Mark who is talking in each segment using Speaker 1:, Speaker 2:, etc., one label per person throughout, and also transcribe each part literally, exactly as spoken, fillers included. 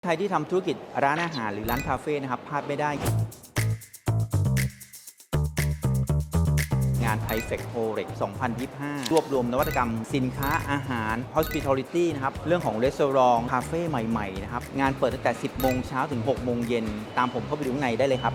Speaker 1: ใครที่ทำธุรกิจร้านอาหารหรือร้านคาเฟ่นะครับพลาดไม่ได้งาน Thai-Fest Horex สองพันยี่สิบห้ารวบรวมนวัตกรรมสินค้าอาหาร Hospitality นะครับเรื่องของรีสอร์ทคาเฟ่ใหม่ๆนะครับงานเปิดตั้งแต่ สิบโมงเช้าถึง หกโมงเย็นตามผมเข้าไปดูข้างในได้เลยครับ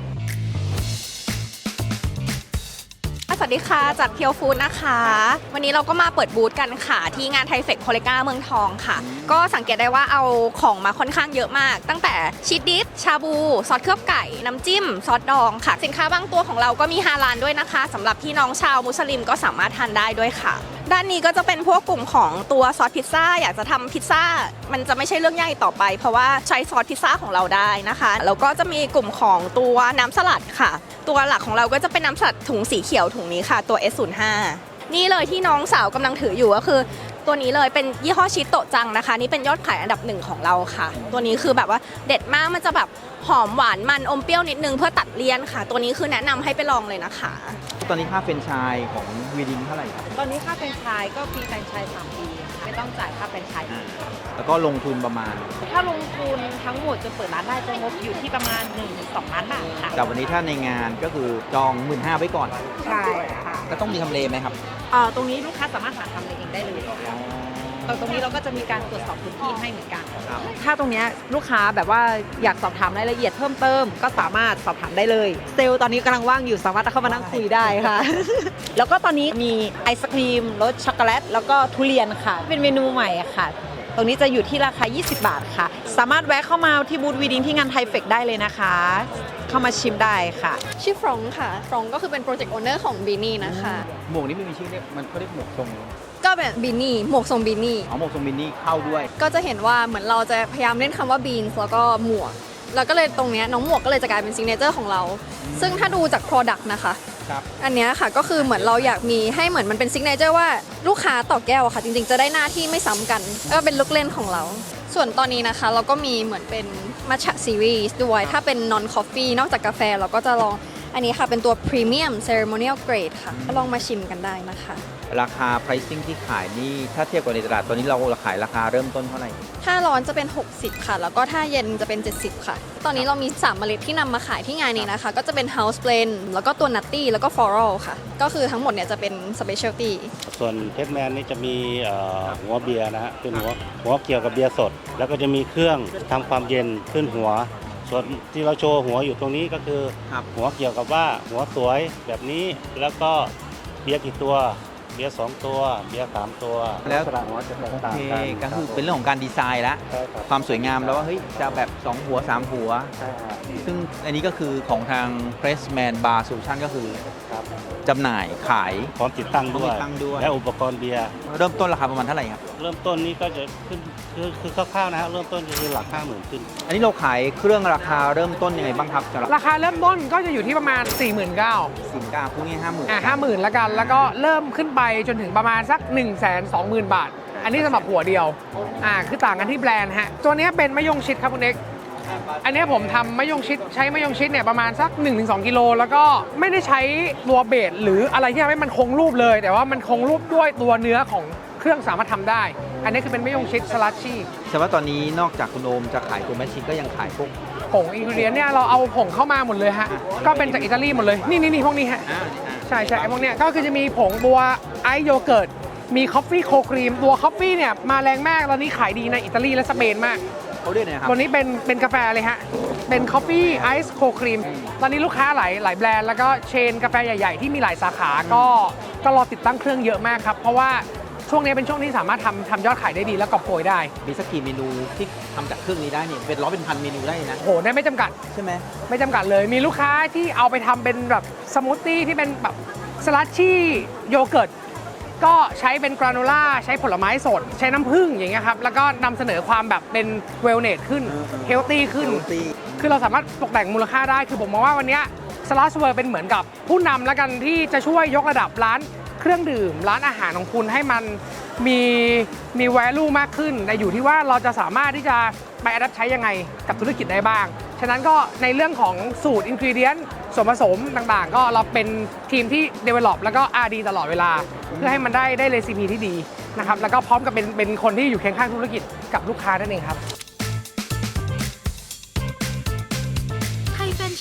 Speaker 2: สวัสดีค่ะจากเพียวฟู้ดนะคะวันนี้เราก็มาเปิดบูธกันค่ะที่งานไทเฟคโคเลกาเมืองทองค่ะก็สังเกตได้ว่าเอาของมาค่อนข้างเยอะมากตั้งแต่ชีสดิฟชาบูซอสเคลือบไก่น้ำจิ้มซอสดองค่ะสินค้าบางตัวของเราก็มีฮาลาลด้วยนะคะสำหรับพี่น้องชาวมุสลิมก็สามารถทานได้ด้วยค่ะด้านนี้ก็จะเป็นพวกกลุ่มของตัวซอสพิซซ่าอยากจะทำพิซซ่ามันจะไม่ใช่เรื่องใหญ่ต่อไปเพราะว่าใช้ซอสพิซซ่าของเราได้นะคะแล้วก็จะมีกลุ่มของตัวน้ำสลัดค่ะตัวหลักของเราก็จะเป็นน้ำสลัดถุงสีเขียวถุงนี้ค่ะตัว เอส ศูนย์ ห้า นี่เลยที่น้องสาวกำลังถืออยู่ก็คือตัวนี้เลยเป็นยี่ห้อชิโตะจังนะคะนี่เป็นยอดขายอันดับหนึ่งของเราค่ะตัวนี้คือแบบว่าเด็ดมากมันจะแบบหอมหวานมันอมเปรี้ยวนิดนึงเพื่อตัดเลี่ยนค่ะตัวนี้คือแนะนำให้ไปลองเลยนะคะ
Speaker 1: ตอนนี้ค่าแฟรนไชส์ของวีดินเท่าไหร่ครับ
Speaker 3: ตอนนี้ค่าแฟรนไชส์ก็ฟรีแฟรนไชส์สามปีไม่ต้องจ่ายค่าแฟรนไชส์
Speaker 1: แล้วก็ลงทุนประมาณ
Speaker 3: ถ้าลงทุนทั้งหมดจะเปิดร้านได้จะงบอยู่ที่ประมาณ หนึ่งถึงสอง ล้านบาทค่ะ
Speaker 1: แต่วันนี้ถ้าในงานก็คือจอง หนึ่งหมื่นห้าพัน ไว้ก่อน
Speaker 3: ใช่ค่ะ
Speaker 1: ก็ต้องมีทำเลไหมครับ
Speaker 3: เอ่อตรงนี้ลูกค้าสามารถหาทำเองได้เลยตรงนี้เราก็จะมีการตรวจสอบพื้นที่ให้เหมือนกันถ้าตรงนี้ลูกค้าแบบว่าอยากสอบถามรายละเอียดเพิ่มเติมก็สามารถสอบถามได้เลยเซลล์ตอนนี้กำลังว่างอยู่สามารถเข้ามานั่งคุยได้ค่ะแล้วก็ตอนนี้มีไอศครีมรสช็อกโกแลตแล้วก็ทุเรียนค่ะเป็นเมนูใหม่ค่ะตรงนี้จะอยู่ที่ราคายี่สิบบาทค่ะสามารถแวะเข้ามาที่บูธวีดินที่งานไทเฟคได้เลยนะคะเข้ามาชิมได้ค่ะ
Speaker 2: ชื่อฟรองค่ะฟรองก็คือเป็นโปรเจกต์โอเนอร์ของบีนี่นะคะ
Speaker 1: หมวกนี้ไม่มีชื่อเรียกมันเขาเรียกหมวกทรง
Speaker 2: ก็เป็นบีนี่หมวกทรงบีนี่
Speaker 1: อ๋อหมวกทรงบีนี่เข้าด้วย
Speaker 2: ก็จะเห็นว่าเหมือนเราจะพยายามเล่นคำว่าบีนแล้วก็หมวกแล้วก็เลยตรงนี้น้องหมวกก็เลยจะกลายเป็นซิกเนเจอร์ของเราซึ่งถ้าดูจาก Product นะคะอันนี้ค่ะก็คือเหมือนเราอยากมีให้เหมือนมันเป็นซิกเนเจอร์ว่าลูกค้าต่อแก้วค่ะจริงๆจะได้หน้าที่ไม่ซ้ำกันก็เป็นลูกเล่นของเราส่วนตอนนี้นะคะเราก็มีเหมือนเป็นมัทฉะซีรีส์ด้วยถ้าเป็น non coffee นอกจากกาแฟเราก็จะลองอันนี้ค่ะเป็นตัว premium ceremonial grade ค่ะก็ลองมาชิมกันได้นะคะ
Speaker 1: ราคา pricing ที่ขายนี่ถ้าเทียบกับในตลาดตอนนี้เราขายราคาเริ่มต้นเท่าไหร่
Speaker 2: ถ้าร้อนจะเป็นหกสิบค่ะแล้วก็ถ้าเย็นจะเป็นเจ็ดสิบค่ะตอนนี้เรามีสามเมล็ดที่นำมาขายที่งานนี้นะคะก็จะเป็น house blend แล้วก็ตัว nutty แล้วก็ floral ค่ะก็คือทั้งหมดเนี่ยจะเป็น specialty
Speaker 4: ส่วนเพชรแมนนี่จะมีหัวเบียร์นะฮะเป็นหัวหัวเกี่ยวกับเบียร์สดแล้วก็จะมีเครื่องทำความเย็นขึ้นหัวส่วนที่เราโชว์หัวอยู่ตรงนี้ก็คือหัวเกี่ยวกับว่าหัวสวยแบบนี้แล้วก็เบียร์กี่ตัวเบียร์สองตัวเบียร์สามตัว
Speaker 1: แล้วหัวจะแตกต่างกันก็คือเป็นเรื่องของการดีไซน์แล้วความสวยงามแล้วว่าเฮ้ยจะแบบสองหัวสามหัวซึ่งอันนี้ก็คือของทาง Pressman Bar Solution ก็คือจำหน่ายขาย
Speaker 4: พร้อมติดตั้งด้วยและอุปกรณ์เบียร์
Speaker 1: เริ่มต้นราคาประมาณเท่าไหร่ครับ
Speaker 4: เริ่มต้นนี้ก็จะขึ้นคือคือคร่าวๆนะเริ่มต้นคือหลักห้าหมื่นขึ้น
Speaker 1: อันนี้เราขายเครื่องราคาเริ่มต้นยังไงบ้างครับ
Speaker 5: ราคาเริ่มต้นก็จะอยู่ที่ประมาณ สี่หมื่นเก้าพัน
Speaker 1: สี่หมื่นเก้าพันพวกนี้ห้าหมื่น
Speaker 5: อ่าห้าหมื่นละกันแล้วก็เริ่มขึ้นไปจนถึงประมาณสัก หนึ่งแสนสองหมื่น บาทอันนี้สำหรับหัวเดียวอ่าคือต่างกันที่แบรนด์ฮะตัวนี้เป็นมะยงชิดครับคุณเอกอันนี้ผมทำมะยงชิดใช้มะยงชิดเนี่ยประมาณสัก หนึ่งถึงสอง กิโลแล้วก็ไม่ได้ใช้ตัวเบสหรืออะไรที่ทำให้มันคงรูปเลยแต่ว่ามันคงรูปด้วยตัวเนื้อของเครื่องสามารถทำได้อันนี้คือเป็นมะยงชิดสลัดชี่
Speaker 1: แต่ว่าตอนนี้นอกจากคุณโอมจะขายตัวแมชชีนก็ยังขายพวก
Speaker 5: ผงอินกรีเดียนเนี่ยเราเอาผงเข้ามาหมดเลยฮะก็เป็นจากอิตาลีหมดเลยนี่นี่นี่พวกนี้ฮะใช่ใช่ไอ้พวกเนี้ยก็คือจะมีผงตัวไอโยเกิร์ตมีคอฟฟี่โคครีมตัวคอฟฟี่เนี่ยมาแรงมากตอนนี้ขายดีในอิตาลีและสเปนมาก
Speaker 1: เขาเรียกอะไรครับ
Speaker 5: ตัวนี้เป็นเป็นกาแฟเลยฮะเป็นคอฟฟี่ไอซ์โคครีมตอนนี้ลูกค้าหลายหลายแบรนด์แล้วก็เชนกาแฟใหญ่ๆที่มีหลายสาขาก็ก็รอติดตั้งเครื่องเยอะมากครับเพราะว่าช่วงนี้เป็นช่วงที่สามารถทำทำยอดขายได้ดีและกอบโกยได้
Speaker 1: มีสักกี่เมนูที่ทำจากเครื่องนี้ได้เนี่ยเป็นร้อยเป็นพันเมนูได้นะ
Speaker 5: โหได้ไม่จำกัด
Speaker 1: ใช่ไหม
Speaker 5: ไม่จำกัดเลยมีลูกค้าที่เอาไปทำเป็นแบบสมูทตี้ที่เป็นแบบสลัดชี่โยเกิร์ตก็ใช้เป็นกราโนล่าใช้ผลไม้สดใช้น้ำผึ้งอย่างเงี้ยครับแล้วก็นำเสนอความแบบเป็นเวลเนสขึ้นเฮลตี้ขึ้นคือเราสามารถตกแต่งมูลค่าได้คือผมมองว่าวันนี้สลัดเวอร์เป็นเหมือนกับผู้นำแล้วกันที่จะช่วยยกระดับร้านเครื่องดื่มร้านอาหารของคุณให้มันมีมี value มากขึ้นแต่อยู่ที่ว่าเราจะสามารถที่จะไปอัดใช้ยังไงกับธุรกิจได้บ้างฉะนั้นก็ในเรื่องของสูตรอินกรีเดียนส่วนผสมต่างๆก็เราเป็นทีมที่ develop แล้วก็ อาร์ ดี ตลอดเวลาเพื่อให้มันได้ได้เรซิปีที่ดีนะครับแล้วก็พร้อมกับเป็นเป็นคนที่อยู่เคียงข้างธุรกิจกับลูกค้านั่นเองครับ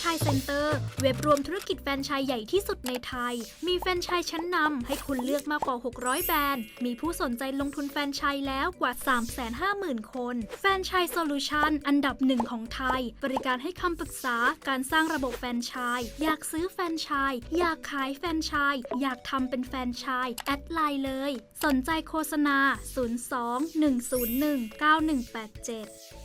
Speaker 6: Franchise Center เว็บรวมธุรกิจแฟรนไชส์ใหญ่ที่สุดในไทย มีแฟรนไชส์ชั้นนำให้คุณเลือกมากกว่า หกร้อย แบรนด์ มีผู้สนใจลงทุนแฟรนไชส์แล้วกว่า สามแสนห้าหมื่น คน Franchise Solution อันดับหนึ่งของไทย บริการให้คำปรึกษาการสร้างระบบแฟรนไชส์อยากซื้อแฟรนไชส์อยากขายแฟรนไชส์อยากทำเป็นแฟรนไชส์แอดไลน์เลย สนใจโฆษณา ศูนย์ สอง หนึ่ง ศูนย์ หนึ่ง เก้า หนึ่ง แปด เจ็ด